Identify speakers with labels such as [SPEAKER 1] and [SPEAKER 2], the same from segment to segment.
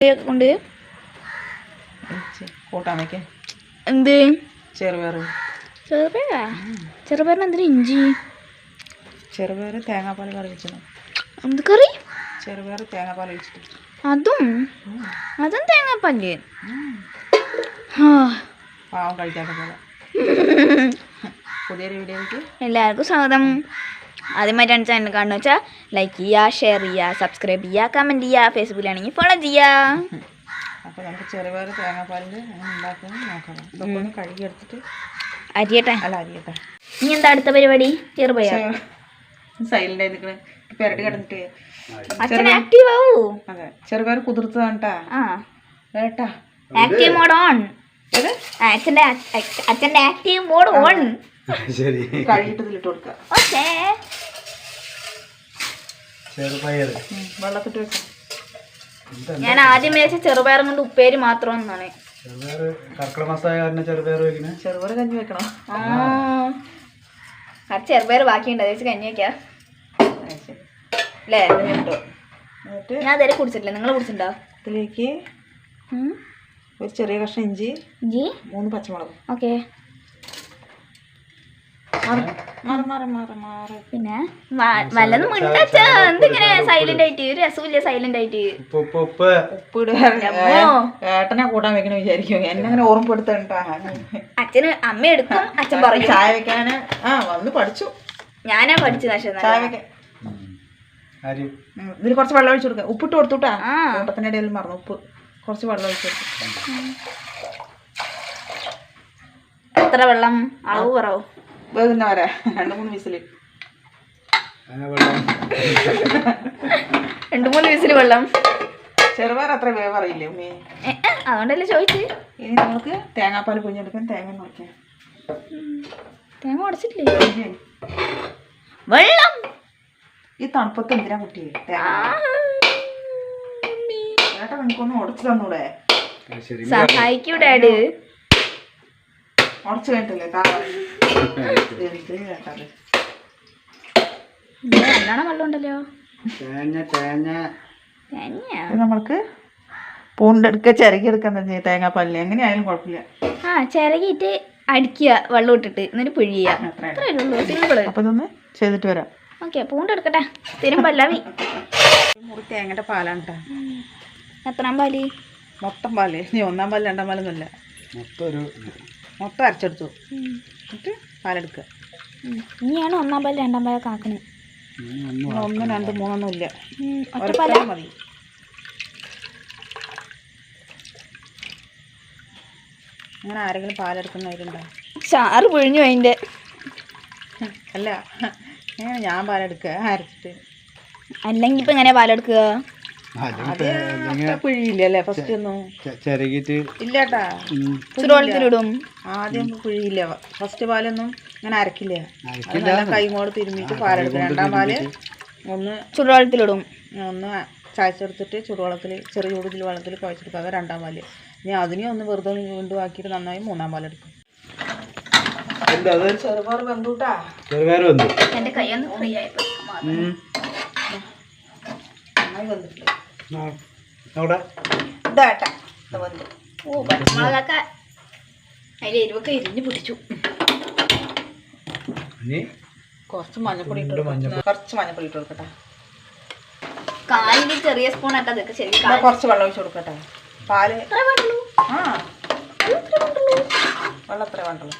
[SPEAKER 1] കൊണ്ട്
[SPEAKER 2] കൂട്ടാൻ വയ്ക്കേ
[SPEAKER 1] എന്ത്
[SPEAKER 2] ചെറുപയർ
[SPEAKER 1] ചെറുപയറിന് എന്തിനാ ഇഞ്ചി
[SPEAKER 2] ചെറുപയർ തേങ്ങാപ്പാൽ കറി വെച്ചത്
[SPEAKER 1] എന്ത് കറി
[SPEAKER 2] ചെറുപയർ തേങ്ങാപ്പാൽ ഒഴിച്ചിട്ട്
[SPEAKER 1] അതും തേങ്ങാപ്പാല്
[SPEAKER 2] പാവം കഴിക്കാത്ത പോലെ പുതിയൊരു വീഡിയോയ്ക്ക്
[SPEAKER 1] എല്ലാവർക്കും സ്വാഗതം. ആദ്യമായിട്ടാണ് ചാനൽ കാണുന്നത് വെച്ചാൽ ലൈക്ക് ചെയ്യുക, ഷെയർ ചെയ്യുക, സബ്സ്ക്രൈബ് ചെയ്യുക, കമൻറ്റ് ചെയ്യുക, ഫേസ്ബുക്കിലാണെങ്കിൽ ഫോളോ ചെയ്യുക.
[SPEAKER 2] അപ്പോൾ നമുക്ക് ചെറുപയർ തേങ്ങാപ്പാലിൽ അങ്ങനെ ഉണ്ടാക്കുന്നത് നോക്കണം. ഇതൊക്കെ ഒന്ന് കഴുകിയെടുത്തിട്ട്
[SPEAKER 1] അരിയട്ടെ.
[SPEAKER 2] അരിയട്ടെ.
[SPEAKER 1] ഇനി എന്താ അടുത്ത പരിപാടി? ചെറുപയർ
[SPEAKER 2] സൈലൻ്റ് ആയി നിൽക്കണേ പെരട്ടി കിടന്നിട്ട്
[SPEAKER 1] അച്ഛൻ ആക്റ്റീവ് ആവൂ.
[SPEAKER 2] അതെ ചെറുപയർ കുതിർത്തതാണ് കേട്ടാ.
[SPEAKER 1] Active mode on. അച്ഛൻ്റെ ആക്റ്റീവ് മോഡ് ഓൺ.
[SPEAKER 3] ശരി
[SPEAKER 2] കഴുകിട്ട് ഇതിലിട്ട് കൊടുക്കുക.
[SPEAKER 1] ഓക്കേ
[SPEAKER 2] വെള്ളത്തിട്ട് വെക്കാം.
[SPEAKER 1] ഞാൻ ആദ്യം വിചാരിച്ച ചെറുപയറും കൊണ്ട് ഉപ്പേരി മാത്രം എന്നാണ്.
[SPEAKER 2] ചെറുപയർ കഞ്ഞി വെക്കണം.
[SPEAKER 1] ആ ചെറുപയർ ബാക്കിയുണ്ട്, അത് വെച്ച് കഞ്ഞി വെക്കാം അല്ലേ? ഞാൻ അതുവരെ കുടിച്ചിട്ടില്ല, നിങ്ങൾ കുടിച്ചിട്ടുണ്ടോ?
[SPEAKER 2] ഇതിലേക്ക് ഒരു ചെറിയ കഷ്ണം ഇഞ്ചി, 3 പച്ചമുളക്.
[SPEAKER 1] ഓക്കെ. പിന്നെ വല്ലതും മുണ്ടാച്ചാ എന്തിങ്ങനെ സൈലന്റ് ആയിട്ട്? ഒരു രസമില്ല സൈലന്റ് ആയിട്ട്.
[SPEAKER 2] ഉപ്പ് ഏട്ടനെ കൂട്ടാൻ വെക്കണ വിചാരിക്കും. എന്നെ അങ്ങനെ ഓർമ്മപ്പെടുത്തണ്ട.
[SPEAKER 1] അച്ഛന് അമ്മ എടുക്കും, അച്ഛൻ പറയും.
[SPEAKER 2] ചായ വെക്കാന് വന്ന് പഠിച്ചു.
[SPEAKER 1] ഞാനാ പഠിച്ചത്.
[SPEAKER 2] ചായ വെക്കാൻ ഇതിൽ കുറച്ച് വെള്ളം ഒഴിച്ചു കൊടുക്കുക. ഉപ്പിട്ട് കൊടുത്തുട്ടാ. കൂട്ടത്തിന്റെ ഇടയിൽ മറന്നു. ഉപ്പ് കുറച്ച് വെള്ളം ഒഴിച്ചു കൊടുക്കും.
[SPEAKER 1] എത്ര വെള്ളം? അളവ് കുറവ്
[SPEAKER 2] വേകുന്ന വരെ 2-3 വിസിൽ.
[SPEAKER 1] 2-3 വിസിൽ വെള്ളം.
[SPEAKER 2] ചെറുപയർ അത്ര വേവ് അറിയില്ലേ ഉമ്മേ?
[SPEAKER 1] അതുകൊണ്ടല്ലേ ചോദിച്ചു.
[SPEAKER 2] ഇനി നമുക്ക് തേങ്ങാപ്പാൽ കുഞ്ഞെടുക്കാൻ തേങ്ങ മുറിക്കാം.
[SPEAKER 1] തേങ്ങ ഉടച്ചിട്ടില്ലേ? വെള്ളം
[SPEAKER 2] ഈ തണുപ്പത്ത് എന്തിനാ കുട്ടിയെ ചേട്ടാ നിനക്കൊന്ന് ഉടച്ചു തന്നൂടെ?
[SPEAKER 1] സഹായിക്കൂ ഡാഡ്.
[SPEAKER 2] ഉടച്ചു കഴിഞ്ഞിട്ടില്ലേ
[SPEAKER 1] നല്ലോണം വെള്ളം ഉണ്ടല്ലോ.
[SPEAKER 2] നമ്മൾക്ക് പൂണ്ടെടുക്കുക, ചിരകിയെടുക്കാൻ തന്നെ തേങ്ങാപ്പാലിന് എങ്ങനെയായാലും കുഴപ്പമില്ല.
[SPEAKER 1] ചിരകിയിട്ട് അടിക്കുക, വെള്ളം ഇട്ടിട്ട്, എന്നിട്ട് പിഴിയുക. സിമ്പിള്.
[SPEAKER 2] അപ്പൊ ഇതൊന്ന് ചെയ്തിട്ട് വരാം.
[SPEAKER 1] ഓക്കെ. പൂണ്ടെടുക്കട്ടെ. സ്ഥിരം പല്ലാവി.
[SPEAKER 2] മുറി തേങ്ങയുടെ പാലാണ് കേട്ടോ.
[SPEAKER 1] എത്രാം പാല്?
[SPEAKER 2] മൊത്തം പാല്. നീ 1-ാം പാല് 2-ാം പാലൊന്നുമില്ല, മൊത്തം അരച്ചെടുത്തു. എന്നിട്ട് പാലെടുക്കുക.
[SPEAKER 1] ഇനിയാണ് 1-ാം പാല് 2-ാം പാലൊക്കെ ആക്കണത്.
[SPEAKER 2] 1, 2, 3 ഒന്നും ഇല്ല,
[SPEAKER 1] ഒറ്റ പാല
[SPEAKER 2] മതി. അങ്ങനെ ആരെങ്കിലും പാലെടുക്കുന്നവരുണ്ടോ?
[SPEAKER 1] ചാറ് പിഴിഞ്ഞു അതിൻ്റെ.
[SPEAKER 2] അല്ല എങ്ങനെ ഞാൻ പാലെടുക്കുക അരച്ചിട്ട്?
[SPEAKER 1] അല്ലെങ്കിൽ ഇപ്പം എങ്ങനെയാ പാലെടുക്കുക?
[SPEAKER 2] പിഴിയില്ലേ ഫസ്റ്റ് ഒന്നും ഇല്ലേട്ടാ.
[SPEAKER 1] ചുടുവെള്ളത്തിലിടും.
[SPEAKER 2] ആദ്യം പിഴിയില്ല. ഫസ്റ്റ് പാലൊന്നും ഇങ്ങനെ അരക്കില്ല. കൈമോട് തിരുമ്മിട്ട് പാലെടുക്കും. 2-ാം പാല് ഒന്ന്
[SPEAKER 1] ചുടുവെള്ളത്തിലിടും.
[SPEAKER 2] ഒന്ന് ചായച്ചെടുത്തിട്ട് ചൂടുവെള്ളത്തിൽ ചെറിയ ചൂടുതിൽ വെള്ളത്തിൽ കുഴച്ചെടുക്കുക. അത് 2-ാം പാല്. ഇനി അതിനെ ഒന്ന് വെറുതെ വീണ്ടും ആക്കിയിട്ട് നന്നായി 3-ാം പാലെടുക്കും. ചെറുപയർ വെന്തൂട്ടാ.
[SPEAKER 1] എൻ്റെ കൈയൊന്ന് ഫ്രീ ആയിപ്പോ
[SPEAKER 2] നന്നായി വന്നിട്ടില്ല.
[SPEAKER 1] പച്ചമുളകൊക്കെ അതിൽ എരിവൊക്കെ എരിഞ്ഞ് പിടിച്ചു.
[SPEAKER 2] കുറച്ച് മഞ്ഞപ്പൊടി ഇട്ട് കൊടുക്കട്ടെ.
[SPEAKER 1] കാലിന് ചെറിയ സ്പൂൺ ആയിട്ട് അതൊക്കെ ശരി.
[SPEAKER 2] കുറച്ച് വെള്ളം ഒഴിച്ച് കൊടുക്കട്ടെ. പാല് വെള്ളം എത്ര വേണ്ടുള്ളൂ?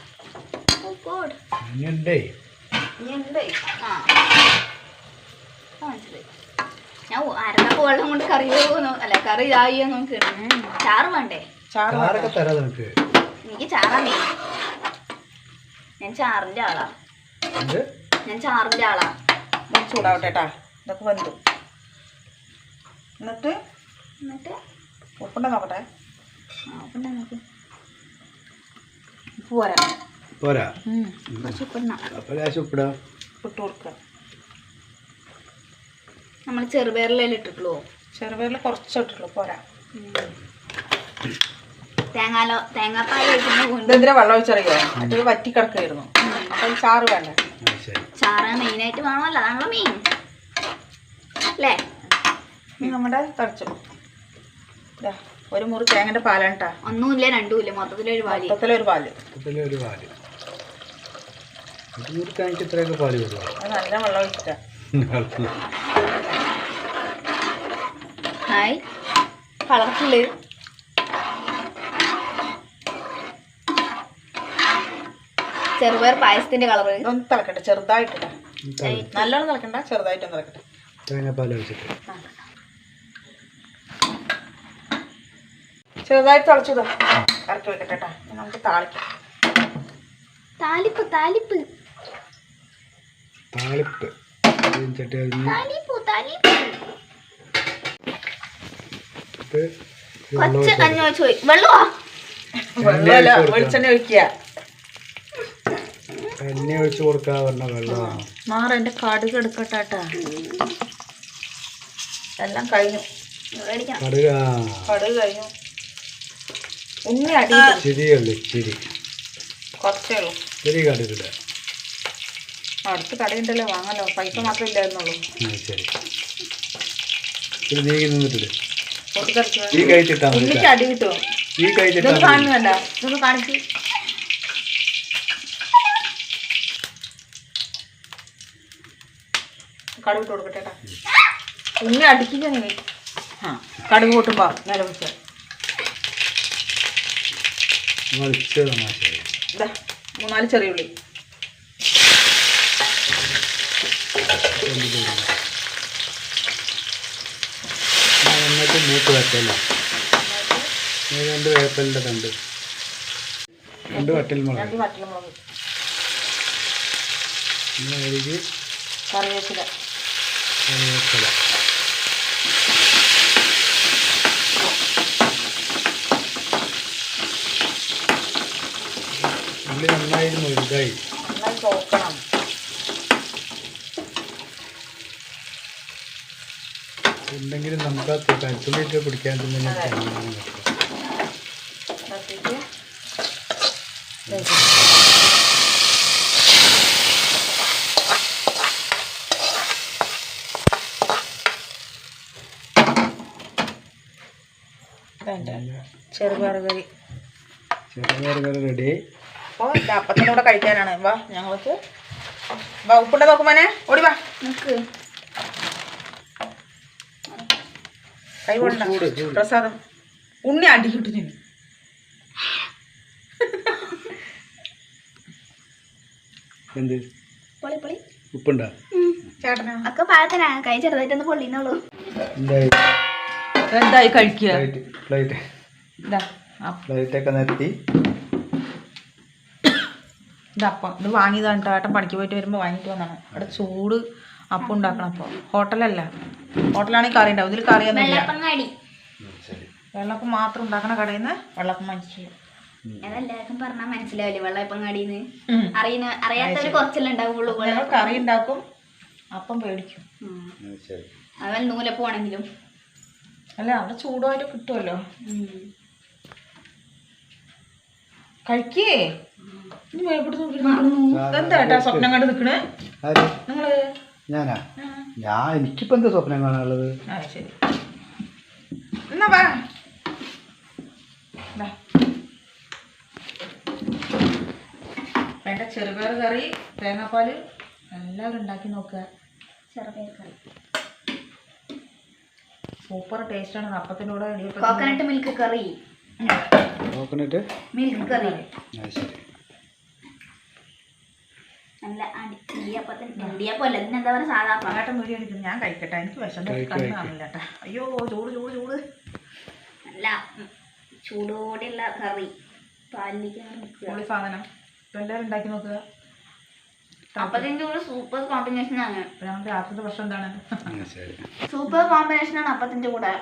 [SPEAKER 1] ഞാൻ അരക്കപ്പ് വെള്ളം കൊണ്ട് കറി അല്ല കറി ഇതായോ നോക്ക്. ചാറ് വേണ്ടേ? എനിക്ക് ചാറാ മെയിൻ. ഞാൻ ചാറിൻ്റെ ആളാ.
[SPEAKER 2] ചൂടാവട്ടെ കേട്ടാ. ഇതൊക്കെ വെന്തു. എന്നിട്ട് ഉപ്പുണ്ട നോക്കട്ടെ.
[SPEAKER 1] ഉപ്പുണ്ടാ നോക്ക്.
[SPEAKER 2] ഉപ്പ് പോരാ. ഇട്ട് കൊടുക്കുക.
[SPEAKER 1] നമ്മൾ ചെറുപയറിലെല്ലാം ഇട്ടിട്ടുള്ളൂ.
[SPEAKER 2] ചെറുപയറിൽ കുറച്ച് ഇട്ടിട്ടുള്ളൂ, പോരാ.
[SPEAKER 1] തേങ്ങാപ്പാൽ
[SPEAKER 2] എന്തിനാ വെള്ളം ഒഴിച്ചറിയോ? അത് വറ്റി കിടക്കായിരുന്നു. അപ്പം ചാറ് വേണ്ട.
[SPEAKER 1] ചാറ് മെയിനായിട്ട് വേണമല്ലോ, അതാണല്ലോ മെയിൻ അല്ലേ?
[SPEAKER 2] നമ്മുടെ തളിച്ചു ഒരു മുറി തേങ്ങൻ്റെ പാലാണ് കേട്ടോ.
[SPEAKER 1] ഒന്നുമില്ല രണ്ടുമില്ല മൊത്തത്തിലൊരു പാല്.
[SPEAKER 2] മൊത്തത്തിലൊരു പാല്.
[SPEAKER 3] ഇത്രയൊക്കെ പാല് വരുമോ?
[SPEAKER 2] അത് നല്ല വെള്ളം ഒഴിച്ചിട്ടാ.
[SPEAKER 1] Hi colourful. ചെറുപയർ പായസത്തിന്റെ കളറ്.
[SPEAKER 2] ഇതൊന്ന് തിളക്കട്ടെ ചെറുതായിട്ടില്ല, നല്ലോണം തിളക്കണ്ട, ചെറുതായിട്ടൊന്ന് തിളക്കട്ടെ.
[SPEAKER 3] തേങ്ങാപ്പാൽ ഒഴിച്ചിട്ട്
[SPEAKER 2] ചെറുതായിട്ട് തിളച്ചതോ ഇറക്കി വെക്കട്ടെ കേട്ടോ. നമുക്ക് താളിക്കാം.
[SPEAKER 1] താലിപ്പ് താലിപ്പ്
[SPEAKER 3] താളിപ്പ് ചട്ടി
[SPEAKER 1] താലിപ്പ് താലിപ്പ്.
[SPEAKER 3] കഴിഞ്ഞിട്ട്
[SPEAKER 1] കൊച്ച് കഞ്ഞി വെച്ച് പോയി. വെള്ളമാ
[SPEAKER 2] വെള്ളമല്ല വെളിച്ചെണ്ണ ഒഴിക്കുക.
[SPEAKER 3] എണ്ണ ഒഴിച്ച് കൊടുക്കാ പറഞ്ഞ വെള്ളമാണ്.
[SPEAKER 2] മാറ എൻ്റെ കടുക് എടുക്കട്ടെ കേട്ടാ. എല്ലാം കഴിഞ്ഞു.
[SPEAKER 3] കടുക്
[SPEAKER 2] കടുക് കഴിഞ്ഞു. ഉണ്ണി അടി
[SPEAKER 3] ചിരിയുള്ളു, ചിരി
[SPEAKER 2] കുറച്ചേ ഉള്ളൂ.
[SPEAKER 3] ചിരി കടുകില്ല.
[SPEAKER 2] അടുത്ത് കടയുണ്ടല്ലോ വാങ്ങല്ലോ, പൈസ മാത്രമേ ഇല്ലായിരുന്നുള്ളൂ.
[SPEAKER 3] ശരി ഇത് നീങ്ങി നിന്നിട്ടില്ല.
[SPEAKER 2] പൊട്ടിത്തെറിച്ച്
[SPEAKER 3] ഈ കഴിച്ചിട്ടാ
[SPEAKER 2] ഉണ്ണിക്ക് അടി കിട്ടുമോ?
[SPEAKER 3] ഈ കഴിച്ചിട്ടാ
[SPEAKER 2] ഇതൊന്ന് കാണുന്നല്ല, ഇതൊന്ന് കാണിച്ച്. കടുക് ഇട്ട് കൊടുക്കട്ടെ കേട്ടാ. ഉണ്ണി അടിക്കുക നീ. ആ കടുക് കൂട്ടുമ്പോ നില വെച്ച ഇതാ 3-4 ചെറിയ ഉള്ളി.
[SPEAKER 3] എന്നിട്ട് മൂത്ത് വെച്ചല്ലോ. 2 വേപ്പലിൻ്റെ തണ്ട്, 2 വറ്റൽമുളക്,
[SPEAKER 2] 2 വറ്റൽമുളക്,
[SPEAKER 3] കഴുകി
[SPEAKER 2] കറിവേപ്പില,
[SPEAKER 3] കറിവേപ്പില. ഉള്ളി നന്നായി മുഴുതായി
[SPEAKER 2] നന്നായി ചോക്കണം.
[SPEAKER 3] ഉണ്ടെങ്കിലും നമുക്ക് ആ കരുത്തുള്ളിയിട്ട് പിടിക്കാൻ തന്നെ
[SPEAKER 2] തട്ടിയിട്ട് ചെറുപയർ കറി.
[SPEAKER 3] ചെറുപയർ കറി റെഡി.
[SPEAKER 2] അപ്പോൾ ഇത് അപ്പത്തിൻ്റെ കൂടെ കഴിക്കാനാണ്. വാ ഞങ്ങൾക്ക് വാ, ഉപ്പുണ്ട നോക്കുമ്പോനെ ഓടി വാ.
[SPEAKER 1] നിക്ക്
[SPEAKER 2] കൈ കൊണ്ട പ്രസാദം. ഉണ്ണി അടി കിട്ടു ഞാൻ.
[SPEAKER 3] എന്ത്
[SPEAKER 1] പൊളി പൊളി.
[SPEAKER 3] ഉപ്പുണ്ടോ?
[SPEAKER 2] ചേട്ടനാ
[SPEAKER 1] ഒക്കെ പാകത്തിനാ. കൈ ചെറുതായിട്ടൊന്ന് പൊള്ളിന്നുള്ളൂ.
[SPEAKER 3] എന്തായി
[SPEAKER 2] എന്തായി കഴിക്കുക.
[SPEAKER 3] പ്ലേറ്റ് പ്ലേറ്റൊക്കെ നിരത്തി.
[SPEAKER 2] ഇതപ്പം ഇത് വാങ്ങിയതാണ് കേട്ടോ. ഏട്ടൻ പണിക്ക് പോയിട്ട് വരുമ്പോൾ വാങ്ങിയിട്ട് വന്നതാണ്. അവിടെ ചൂട് അപ്പം ഉണ്ടാക്കണം. അപ്പോൾ ഹോട്ടലല്ല, ഹോട്ടലാണെങ്കിൽ കറി ഉണ്ടാവും, ഇതിൽ കറിയൊന്നുമില്ല.
[SPEAKER 1] വെള്ളപ്പങ്ങാടി
[SPEAKER 2] വെള്ളപ്പം മാത്രം ഉണ്ടാക്കണ കടയിൽ നിന്ന് വെള്ളപ്പം വാങ്ങിച്ചു.
[SPEAKER 1] അതെല്ലാവർക്കും പറഞ്ഞാൽ മനസ്സിലാവില്ലേ വെള്ളപ്പങ്ങാടിന്ന്. അറിയാത്തവര് കുറച്ചല്ലേ ഉണ്ടാവുള്ളൂ.
[SPEAKER 2] ഞങ്ങൾ കറി ഉണ്ടാക്കും, അപ്പം പേടിക്കും.
[SPEAKER 1] അവൻ നൂലപ്പമാണെങ്കിലും
[SPEAKER 2] അല്ല അവിടെ ചൂടുമായിട്ട് കിട്ടുമല്ലോ. കഴിക്കേ. എന്താ ഏട്ടാ സ്വപ്നം കണ്ട് നിൽക്കണേ നിങ്ങള്?
[SPEAKER 3] ഞാനാ? എനിക്കിപ്പോ എന്താ സ്വപ്നം കാണാനുള്ളത്?
[SPEAKER 2] ആ ശരി എന്നാ വാ. വേണ്ട ചെറുപയർ കറി, തേങ്ങാപ്പാല് എല്ലാവരും ഉണ്ടാക്കി നോക്കുക.
[SPEAKER 1] ചെറുപയർ കറി
[SPEAKER 2] സൂപ്പർ ടേസ്റ്റാണ്. അപ്പത്തിൻ്റെ കൂടെ
[SPEAKER 1] coconut milk curry.
[SPEAKER 3] Coconut
[SPEAKER 1] milk curry
[SPEAKER 3] ശരി.
[SPEAKER 1] നല്ല ഇടിയപ്പം അല്ല, ഇതിനെന്താ പറയുക, സാധാ
[SPEAKER 2] പാട്ടം വീഡിയോ എടുക്കുന്നു. ഞാൻ കഴിക്കട്ടെ, എനിക്ക് വിശന്ന് കണ്ണ് കാണില്ല കേട്ടാ. അയ്യോ ചൂട് ചൂട് ചൂട്.
[SPEAKER 1] നല്ല ചൂടോടെയുള്ള കറി.
[SPEAKER 2] പൊളി സാധനം. ഇപ്പം എല്ലാവരും ഉണ്ടാക്കി നോക്കുക.
[SPEAKER 1] അപ്പത്തിൻ്റെ കൂടെ സൂപ്പർ കോമ്പിനേഷൻ ആണ്.
[SPEAKER 2] ഞങ്ങൾക്ക് രാത്രിത്തെ ഭക്ഷണം എന്താണ്?
[SPEAKER 1] സൂപ്പർ കോമ്പിനേഷൻ ആണ് അപ്പത്തിൻ്റെ കൂടെ.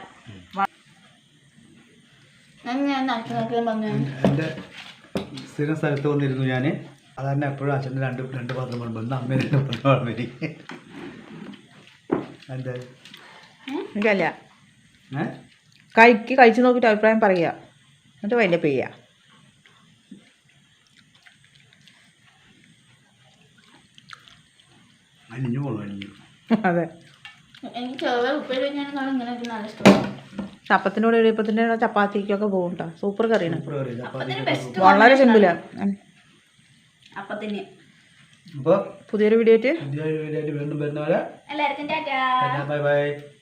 [SPEAKER 1] ഞാൻ നടത്തി നോക്കിയാൽ പറഞ്ഞു
[SPEAKER 3] എൻ്റെ സ്ഥിരം സ്ഥലത്ത് വന്നിരുന്നു ഞാൻ. അതന്നെ എപ്പോഴും അച്ഛൻ്റെ രണ്ട് പാത്രം വേണം. ഒന്ന് അമ്മ 2 പാത്രം വേണം എനിക്ക്. എന്താ
[SPEAKER 2] എനിക്കല്ല, കഴിച്ച് നോക്കിയിട്ട് അഭിപ്രായം പറയുക, എന്നിട്ട് വലിയ പെയ്യുക.
[SPEAKER 3] അലിഞ്ഞു പോകണം, അലിഞ്ഞു.
[SPEAKER 2] അതെ
[SPEAKER 1] എനിക്ക് ചെറുപയർ ഉപ്പേരി വെച്ചാൽ ഇങ്ങനെ നല്ല ഇഷ്ടമാണ്.
[SPEAKER 2] ചപ്പത്തിനോട് ഇടിയപ്പത്തിൻ്റെ ചപ്പാത്തിക്കൊക്കെ പോകും കേട്ടോ. സൂപ്പർ കറിയാണ്,
[SPEAKER 3] സൂപ്പർ കറി ചപ്പാത്തി.
[SPEAKER 2] വളരെ സിമ്പിളാണ്.
[SPEAKER 1] അപ്പത്തിന്
[SPEAKER 3] അപ്പോൾ
[SPEAKER 2] പുതിയൊരു വീഡിയോ ആയിട്ട്
[SPEAKER 3] പുതിയ വീഡിയോ ആയിട്ട് വീണ്ടും വരുന്നവരെ
[SPEAKER 1] എല്ലാവർക്കും ടാറ്റാ.
[SPEAKER 3] Bye bye.